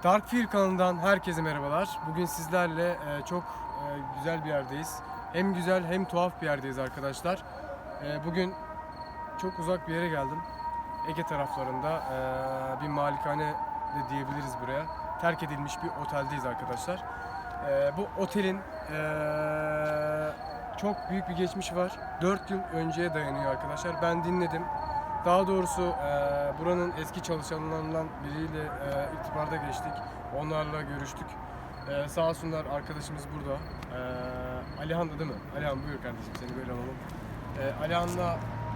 Darkfield kanalından herkese merhabalar. Bugün sizlerle çok güzel bir yerdeyiz. Hem güzel hem tuhaf bir yerdeyiz arkadaşlar. Bugün çok uzak bir yere geldim. Ege taraflarında bir malikane de diyebiliriz buraya. Terk edilmiş bir oteldeyiz arkadaşlar. Bu otelin çok büyük bir geçmişi var. 4 yıl önceye dayanıyor arkadaşlar. Ben dinledim. Daha doğrusu buranın eski çalışanlarından biriyle irtibata geçtik. Onlarla görüştük. Sağ olsunlar, arkadaşımız burada. Alihan da değil mi? Alihan buyur kardeşim, seni böyle alalım. Alihan'la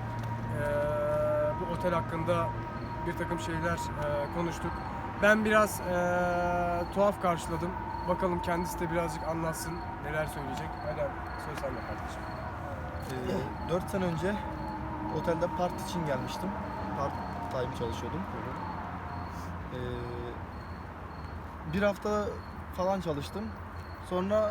bu otel hakkında bir takım şeyler konuştuk. Ben biraz tuhaf karşıladım. Bakalım kendisi de birazcık anlatsın, neler söyleyecek. Alihan, söz sende kardeşim. 4 sene önce otelde part için gelmiştim. Part time çalışıyordum. Bir hafta falan çalıştım. Sonra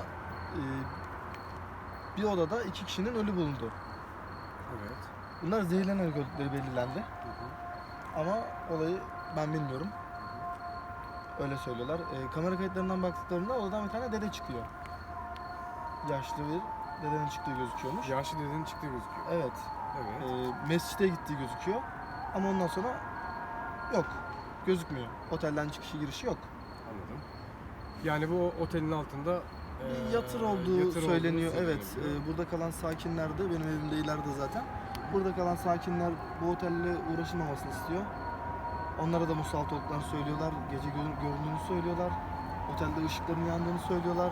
bir odada 2 kişinin ölü bulundu. Evet. Bunlar zehirlenerek öldükleri belirlendi. Ama olayı ben bilmiyorum. Öyle söylüyorlar. Kamera kayıtlarından baktıklarında odadan bir tane dede çıkıyor. Yaşlı bir dedenin çıktığı gözüküyormuş. Yaşlı dedenin çıktığı gözüküyor. Evet. Evet. Mescide gittiği gözüküyor. Ama ondan sonra yok. Gözükmüyor. Otelden çıkışı girişi yok. Anladım. Yani bu otelin altında Bir yatır olduğu söyleniyor. Evet. söylenebiliyor. Burada kalan sakinler de benim evimde ileride zaten. Burada kalan sakinler bu otelle uğraşılmamasını istiyor. Onlara da musallat olduklarını söylüyorlar. Gece göründüğünü söylüyorlar. Otelde ışıkların yandığını söylüyorlar.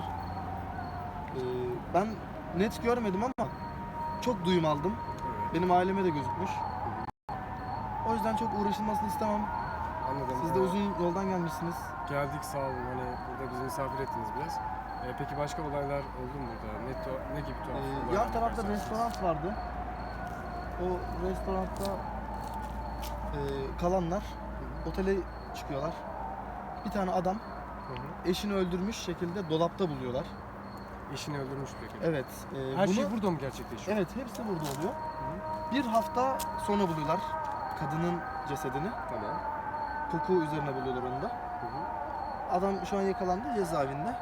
Ben net görmedim ama çok duyum aldım. Evet. Benim aileme de gözükmüş. O yüzden çok uğraşılmasını istemem. Anladım. Siz de uzun yoldan gelmişsiniz. Geldik, sağ olun. Hani burada bizi misafir ettiniz biraz. Peki başka olaylar oldu mu burada? Ne gibi tuhaf olaylar Yan tarafta yaşarsınız? restoran vardı. O restoranda kalanlar otele çıkıyorlar. Bir tane adam Hı hı. eşini öldürmüş şekilde dolapta buluyorlar. Eşini öldürmüş peki. Evet. Her şey burada mı gerçekleşiyor? Evet, hepsi burada oluyor. Hı hı. Bir hafta sonra buluyorlar kadının cesedini. Tamam. Koku üzerine buluyorlar onu da. Hı hı. Adam şu an yakalandı cezaevinde.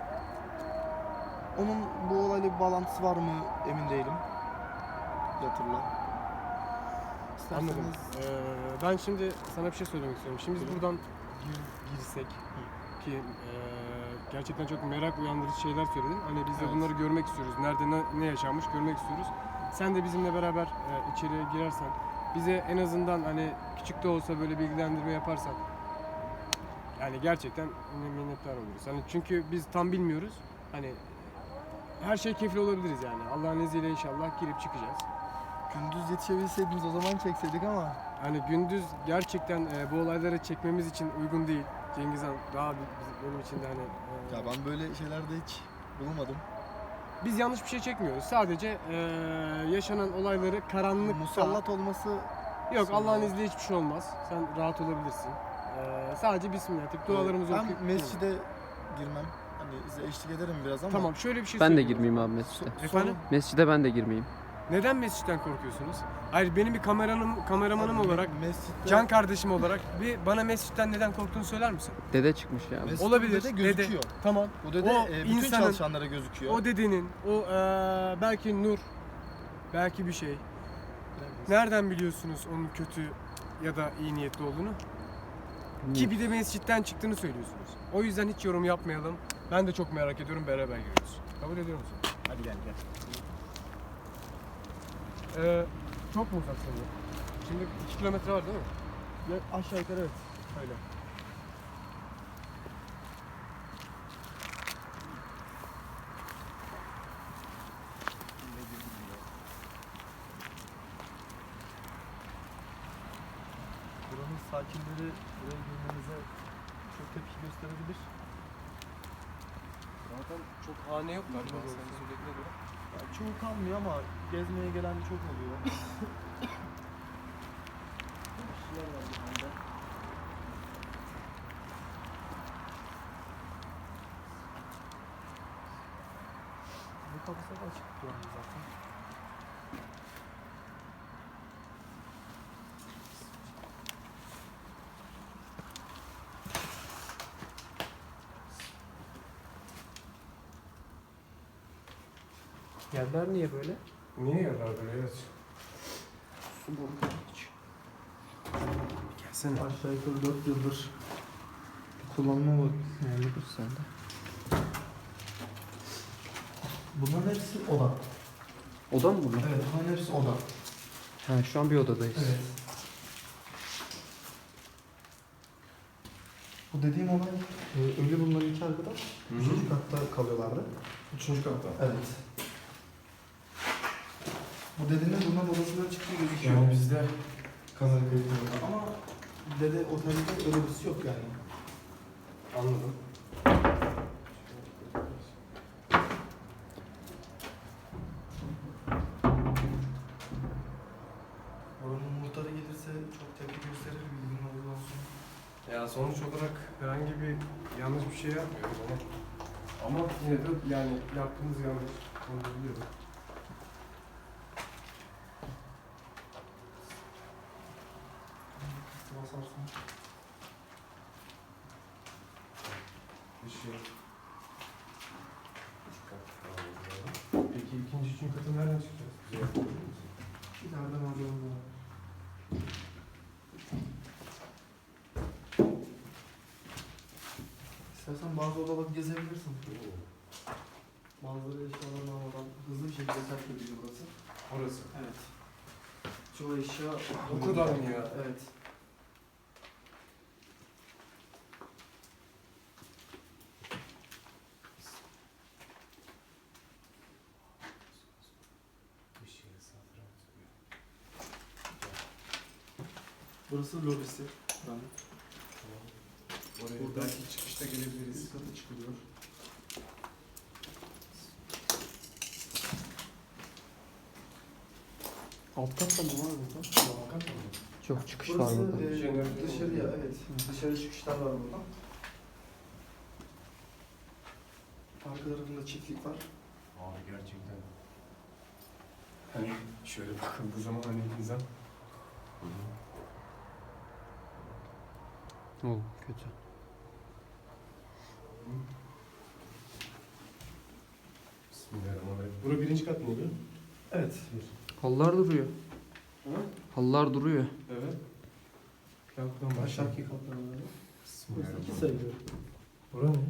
Onun bu olayla bir bağlantısı var mı emin değilim. Yatırla. Anladım. Ben şimdi sana bir şey söylemek istiyorum. Şimdi biz buradan girsek ki gerçekten çok merak uyandırıcı şeyler söyledin. Hani biz de Evet. bunları görmek istiyoruz. Nerede ne yaşanmış görmek istiyoruz. Sen de bizimle beraber içeriye girersen, bize en azından hani küçük de olsa böyle bilgilendirme yaparsan, yani gerçekten minnettar oluruz. Hani çünkü biz tam bilmiyoruz. Hani her şey keyifli olabiliriz yani. Allah'ın izniyle inşallah girip çıkacağız. Gündüz yetişebilseydiniz o zaman çekseydik ama Hani gündüz gerçekten bu olayları çekmemiz için uygun değil. Cengiz Han daha benim için de hani ya ben böyle şeylerde hiç bulunmadım. biz yanlış bir şey çekmiyoruz. Sadece yaşanan olayları karanlık Musallat olması yok, Allah'ın izniyle hiçbir şey olmaz. Sen rahat olabilirsin. Sadece bismillah deyip dualarımızı okuyup ben mescide girmem. Hani size eşlik ederim biraz ama. Tamam, şöyle bir şey Ben de söyleyeyim. girmeyeyim abi mescide. Efendim? Mescide ben de girmeyeyim. Neden mescitten korkuyorsunuz? Hayır, benim bir kameramanım Abi, olarak, mescitte, can kardeşim olarak bana mescitten neden korktuğunu söyler misin? Dede çıkmış ya. mescitte Olabilir. dede gözüküyor. Tamam. Bu dede O bütün insanın- çalışanlara gözüküyor. O dedenin, belki nur, belki bir şey. Nereden biliyorsunuz onun kötü ya da iyi niyetli olduğunu? Ki bir de mescitten çıktığını söylüyorsunuz. O yüzden hiç yorum yapmayalım. Ben de çok merak ediyorum, beraber görüyoruz. Kabul ediyor musun? Hadi gel. Çok mu uzak senin? Şimdi 2 kilometre var değil mi? Ya, aşağı yukarı evet. Öyle. Buranın sakinleri buraya girmenize çok tepki gösterebilir. Zaten çok hane yok galiba senin söylediğine göre. Yani çoğu kalmıyor ama gezmeye gelen çok oluyor. Kişiler var bir anda. Bu kapısı da açık duran zaten. Yerler niye böyle? Niye yerler böyle? Evet. Su boru hiç. Gelsene. Aşağı yukarı 4 yıldır kullanma bak. Yani dur sen de. Bunların hepsi oda. Oda mı bunlar? Evet, bunların hepsi oda. Ha, şu an bir odadayız. Evet. Bu dediğim olay ölü bulunan iki arkadaş Hı hı. 3. katta kalıyorlardı. 3. katta. Evet. Bu dedenin bundan odasından çıktığı gözüküyor. Yani bizde Kamera kayıtlarında ama dede otelde öyle birisi yok yani. anladım. Oranın muhtarı gelirse çok tepki gösterir, bilginin olduğu olsun. Ya sonuç olarak herhangi bir yanlış bir şey yapmıyoruz ama yine de yani yaptığımız yanlış. Onu biliyorum. Basarsın. Bir şey. Peki ikinci, üçüncü katı nereden çıkacağız? Bize yapabilir misin? İleride merdiven var. İstersen bazı odaları gezebilirsin. Bazıları eşyalarını almadan hızlı bir şekilde terk ediliyor burası. Orası. Evet. Çoğu eşya... O kadar mı ya? Evet. Bir şey satranç. Burası lobisi. Ben Oraya Burada- belki çıkışta gelebiliriz. üst kata çıkılıyor. Alt katta mı var burada? Muhakkak mı? Çok çıkış var Burası burada. dışarıya, evet. Dışarı çıkışlar var burada. Arka tarafında çiftlik var. Abi gerçekten. Hani şöyle bakıldığı zaman hani insan. Oğlum kötü. Bismillahirrahmanirrahim. Bura birinci kat mıydı? Evet. Halılar duruyor. Ha? Halılar duruyor. Evet. Gel buradan başla. Aşağıki katlar var. Burası iki Bismillahirrahmanirrahim. sayılıyor. Bura ne?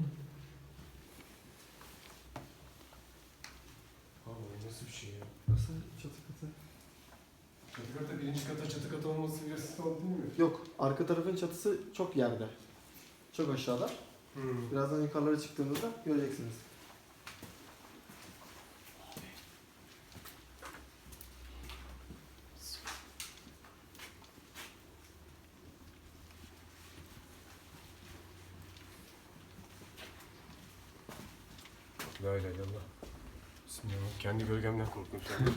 Abi nasıl bir şey ya? Burası çatı katı. Çatı katı birinci kata çatı katı olması biraz sorun değil mi? Yok, arka tarafın çatısı çok yerde. Çok aşağıda. Birazdan yukarılara çıktığımızda göreceksiniz. La ilahe illallah. Bismillahirrahmanirrahim. Kendi gölgemden korktum şu an.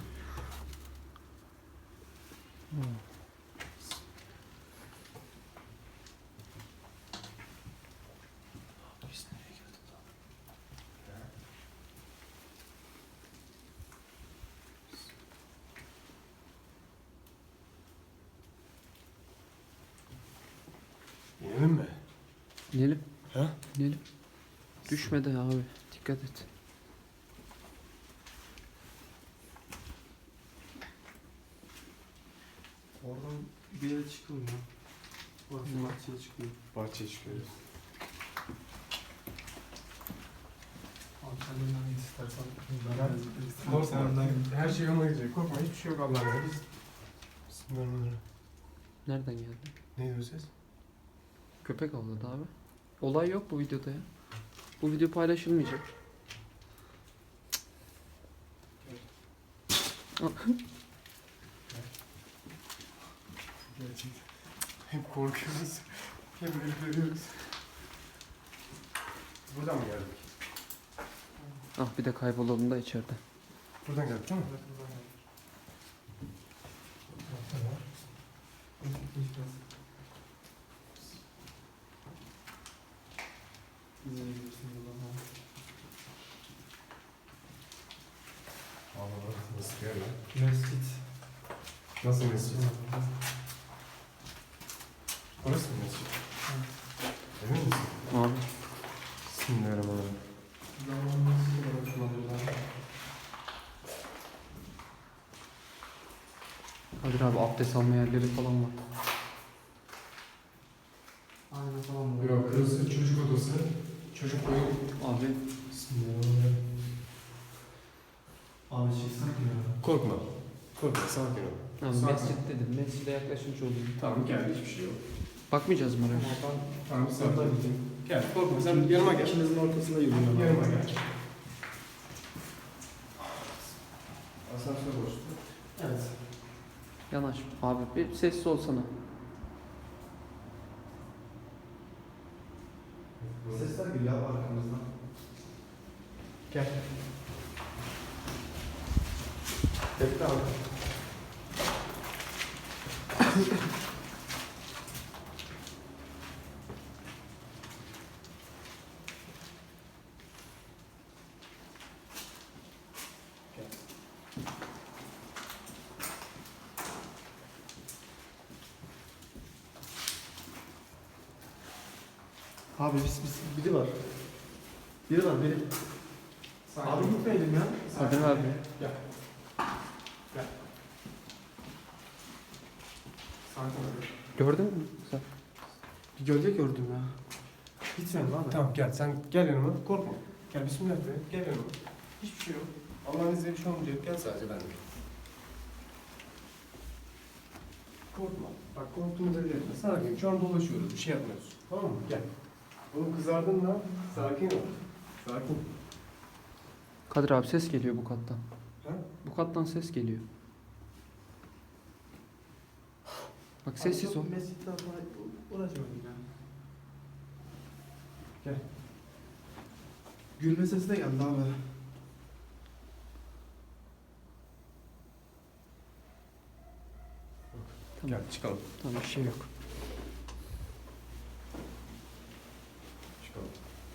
Biz nereye geldik lan? İnelim mi? İnelim. Ha? İnelim. Düşme de abi. Dikkat et. Oradan bir yere çıkılmıyor. Orası bahçeye çıkıyor. Bahçeye çıkıyoruz. Antalya'dan git istersen. Korkma. Her şey yoluna gidecek. Korkma. Hiçbir şey yok Allah'ın izniyle. Bismillahirrahmanirrahim. Nereden geldi? Neydi o ses? Köpek avladı abi. Olay yok bu videoda ya. Bu video paylaşılmayacak. Gerçekten. Hem korkuyoruz, hem ürperiyoruz. Buradan mı geldik? Ah bir de kaybolalım da içeride. Buradan geldik değil mi? Allah nasıl bir yer lan? Mescit. Nasıl mescid? Burası mı mescid? Emin misin? Abi. Bismillahirrahmanirrahim. Zamanın mescidi olarak kullanıyorlar. Kadir abi abdest alma yerleri falan var. Aynen falan mı? Yok, burası çocuk odası. Çocuk oyun. Abi Bismillahirrahmanirrahim. Abi çıksak mı ya? Korkma. Korkma, sakin ol. yani Sakin. mescit dedim. Mescide yaklaşmış olayım. Tamam gel, hiçbir şey yok. Bakmayacağız mı oraya? Tamam, sakin ol. Gel, korkma, sen yanıma gel. İkinizin ortasında yürüyorum. Yanıma gel. Asansör boştu. Evet. Yanaş. Abi bir sessiz olsana. Sesler geliyor abi arkamızdan. Gel. Bekle abi. Abi biri var. Biri var biri. Abi gitmeyelim ya. Kadir abi. Gel. Gel. Sakin ol. Gördün mü? Sen. Bir gölge gördüm ya. Gitmeyelim abi. Tamam gel, sen gel yanıma. Korkma. Gel, bismillah de. Gel yanıma. Hiçbir şey yok. Allah'ın izniyle bir şey olmayacak. Gel sadece benimle. Korkma. Bak korktuğumuza bile etme. Sakin. Şu an dolaşıyoruz. Bir şey yapmıyoruz. Tamam mı? Gel. Oğlum kızardın mı? Sakin ol. Sakin. Kadir abi ses geliyor bu kattan. Ha? Bu kattan ses geliyor. Bak sessiz ol. Mescitte uğraşmadım ya. Gel. Gülme sesi de geldi abi. Tamam. Gel çıkalım. Tamam bir şey yok. Çıkalım.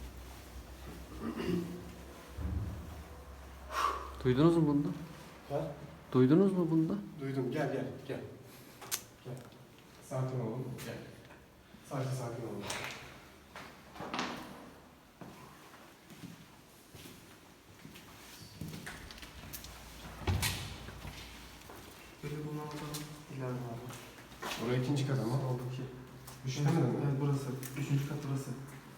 Duydunuz mu bunda? Ha? Duydunuz mu bunda? Duydum. Gel gel gel. Gel. Sakin olun. Gel. Sadece sakin olun. Böyle bunu alalım. İleride abi. Oraya ikinci kat ama. Oradaki. Düşünemedin mi? Evet burası. Üçüncü kat burası.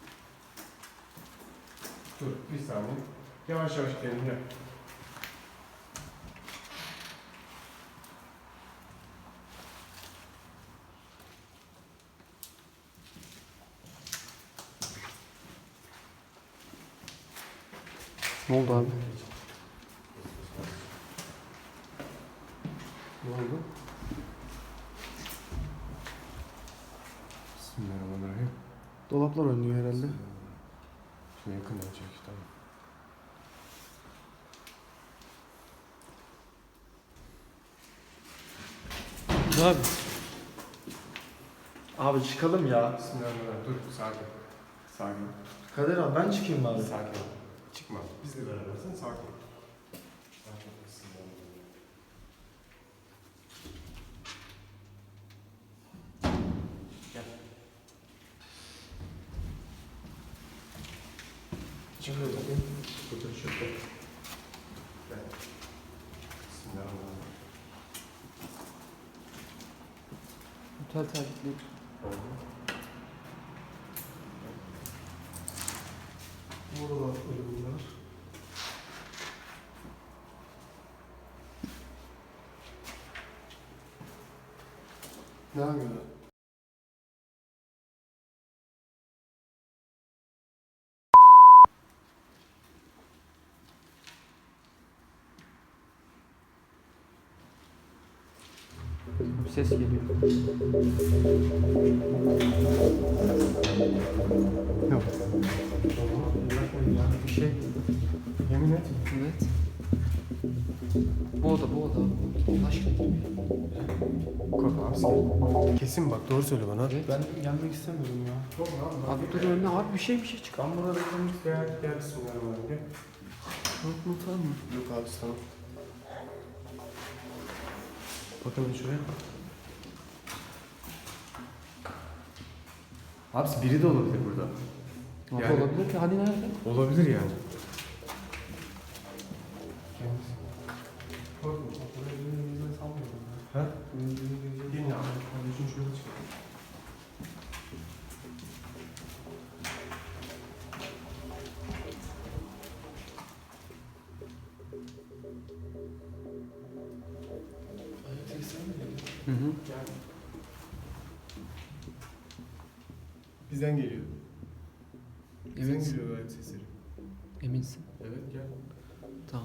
Dur bir saniye. Yavaş yavaş gidelim gel. Ne oldu abi? Ne oldu? Bismillahirrahmanirrahim. Dolaplar oynuyor herhalde. Şuna yakın olacak tamam. Ne abi? Abi çıkalım ya. Bismillahirrahmanirrahim. Dur sakin. Sakin. Kader abi ben çıkayım bari. Sakin ol. Çıkma. Bizle berabersin sakin ol. Sakin ol. Bismillahirrahmanirrahim. Gel. Çıkıyor tabii. Otur şurada. Gel. Bismillahirrahmanirrahim. Otel tercihleri. Burada da böyle bunlar. Ne yapıyorsun? Bir ses geliyor. Yok. Bırakmayın ya. Bir şey. Yemin et. Evet. Bu oda. Allah aşkına girme. Korkma abi. Kesin bak doğru söyle bana. Evet. Ben gelmek istemiyorum ya. Abi dur önüne abi bir şey çık. Ben burada beklemek Gel gel bismillahirrahmanirrahim. Gel. Korkma tamam mı? Yok abi tamam. Bakın şuraya. Abi biri de olabilir burada. Abi Yani- olabilir ki hani nerede? Olabilir yani. Korkma. Burada elimizden sanmıyorum ya. Ha? Gelin abi. Kardeşim şöyle çıkalım. Hı hı. Gel. Bizden geliyor. Bizden Eminsin. geliyor ayak sesleri. Eminsin. Evet gel. Tamam.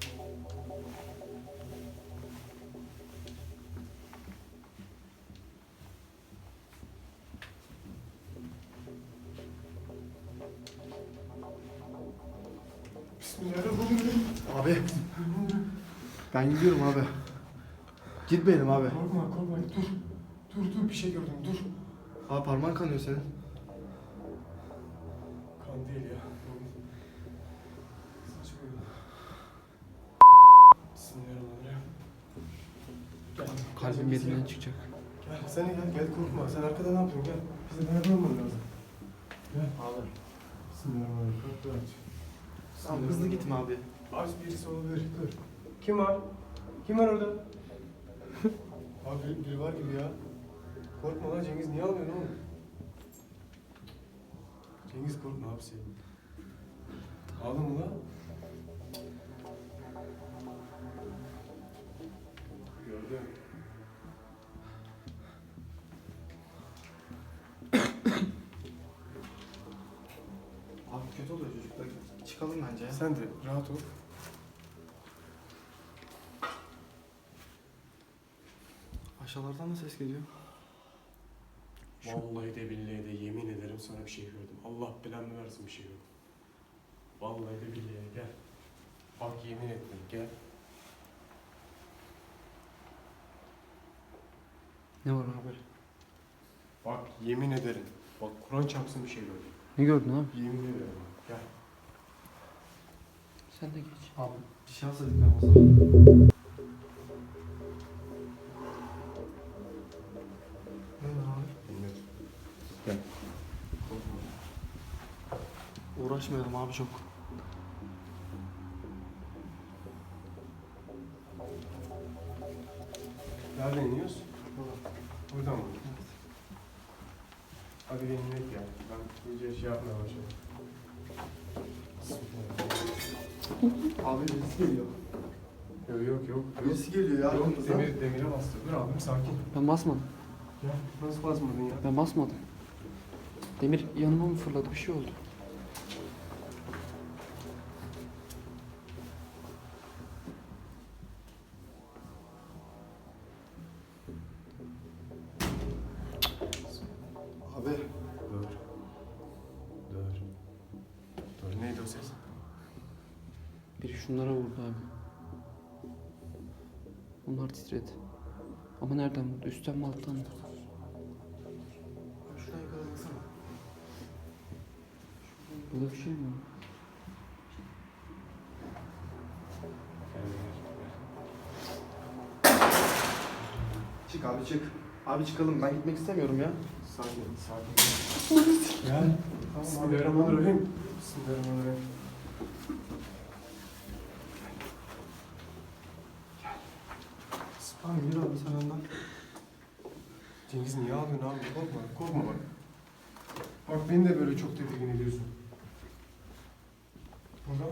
Bismillahirrahmanirrahim. Abi. Ben gidiyorum abi. Gitmeyelim abi. Korkma korkma dur. Dur bir şey gördüm dur. Abi parmağın kanıyor senin. Kan değil ya. Saçma ya. Bismillahirrahmanirrahim. Gel. Kalbim Gel, yerinden çıkacak. Gel sen de gel korkma. Sen arkada ne yapıyorsun gel. Bize beraber olman lazım. Gel. Abi. Bismillahirrahmanirrahim. Kapıyı aç. Tamam hızlı gitme abi. Aç birisi olabilir. Dur. Kim var? Kim var orada? Abi biri var gibi ya. Korkma lan Cengiz niye ağlıyorsun oğlum? Cengiz korkma abi sen. Ağlama lan. Gördüm. Abi kötü oluyor çocuklar. Çıkalım bence ya. Sen de rahat ol. Aşağılardan da ses geliyor. Vallahi de billahi de yemin ederim sana bir şey gördüm. Allah belanı versin bir şey gördüm. Vallahi de billahi de gel. Bak yemin ettim gel. Ne var abi? Bak yemin ederim. Bak Kur'an çarpsın bir şey gördüm. Ne gördün abi? Yemin ederim bak gel. Sen de geç. Abi bir şey alsaydık ben olsa. Ne var abi? Bilmiyorum. Gel. Korkma. Uğraşmayalım abi çok. Nereden iniyoruz? Buradan mı? Hadi gelin inek ya. Ben iyice şey yapmaya başladım. Abi birisi geliyor. Yok. Birisi geliyor ya. Yok arkamızdan. demire bastı. Dur abim sakin. Ben basmadım. Gel. Nasıl basmadın ya? Ben basmadım. Demir yanıma mı fırladı? Bir şey oldu. Abi. Dur. Neydi o ses? Biri şunlara vurdu abi. Onlar titredi. Ama nereden vurdu? Üstten mi alttan mı? Abi şuradan yukarı baksana. Burada bir şey mi var? Çık abi çık. Abi çıkalım. Ben gitmek istemiyorum ya. Sakin. Gel. Bismillahirrahmanirrahim. Bismillahirrahmanirrahim. Tamam yürü abi sen önden. Cengiz niye ağlıyorsun abi? Korkma bak. Bak beni de böyle çok tedirgin ediyorsun. Burada.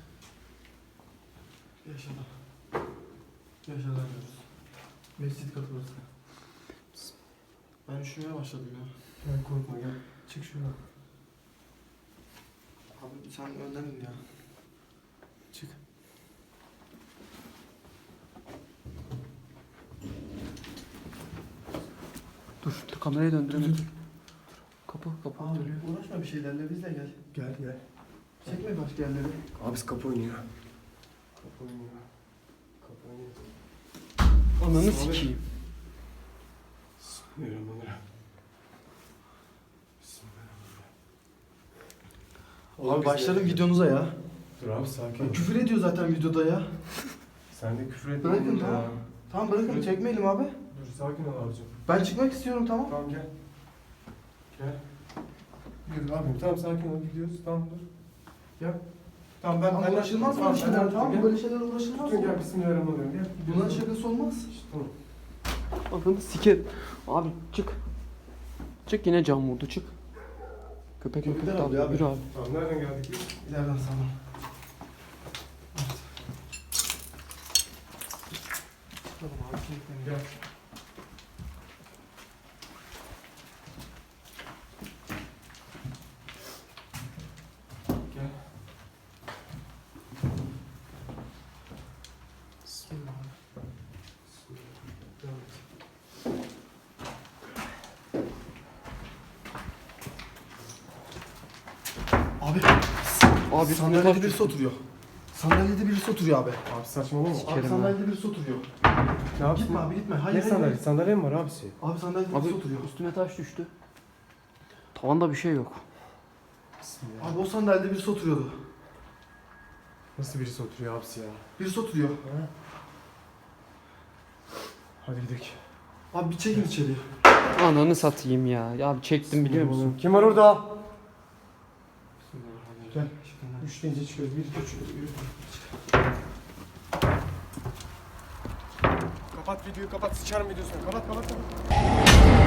Yaşada. Yaşada diyoruz. Mescit katı burası. Ben üşümeye başladım ya. Gel korkma gel. Çık şuradan. Abi sen önden in ya. Çık. Dur kamerayı döndürelim. Kapı Abi dönüyor. uğraşma bir şeylerle biz de gel. Gel. Çekme başka yerleri. Abi kapı oynuyor. Kapı oynuyor. Ananı Abi. sikeyim. Bismillahirrahmanirrahim. Abi başladım videonuza ya. Dur abi sakin ol. Küfür ediyor zaten videoda ya. Sen de küfür etme. Bırakın oğlum tamam. ya. Tamam bırakın çekmeyelim abi. Dur sakin ol abicim. Ben çıkmak istiyorum tamam. Tamam gel. Gel. Yürü abim tamam sakin ol gidiyoruz. Tamam dur. Gel. Tamam ben Uğraşılmaz böyle şeyler tamam mı? Böyle şeyler uğraşılmaz Tutun mı? gel bismillahirrahmanirrahim gel. Bunların şakası olmaz. İşte, tamam. Ananı sikerim. Abi çık. Çık, yine cam vurdu, çık. Köpek Köpekler köpek avlıyor abi. Yürü abi. Tamam, nereden geldik biz? İleriden sana. Gel. Gel. Bismillah. Bismillah. Devam et. Abi Abi sandalyede birisi oturuyor. Sandalyede birisi oturuyor abi. Abi saçmalama. Sikerim Abi ha. sandalyede birisi oturuyor. Ne yaptın? Gitme abi gitme. Hayır Ne hayır, sandalye? hayır. Sandalye mi var abisi? Abi sandalyede Abi birisi oturuyor. üstüme taş düştü. Tavanda bir şey yok. Bismillah. Abi o sandalyede birisi oturuyordu. Nasıl birisi oturuyor abisi ya? Birisi oturuyor. Hadi gidelim. Abi bir çekin içeriye. Ananı satayım ya. Ya abi çektim biliyor musun? Kim var orada? Gel. 3 deyince çıkıyoruz. 1, 2, 3. Yürü. Kapat videoyu, kapat. Sıçarım videosunu. Kapat, kapat, kapat.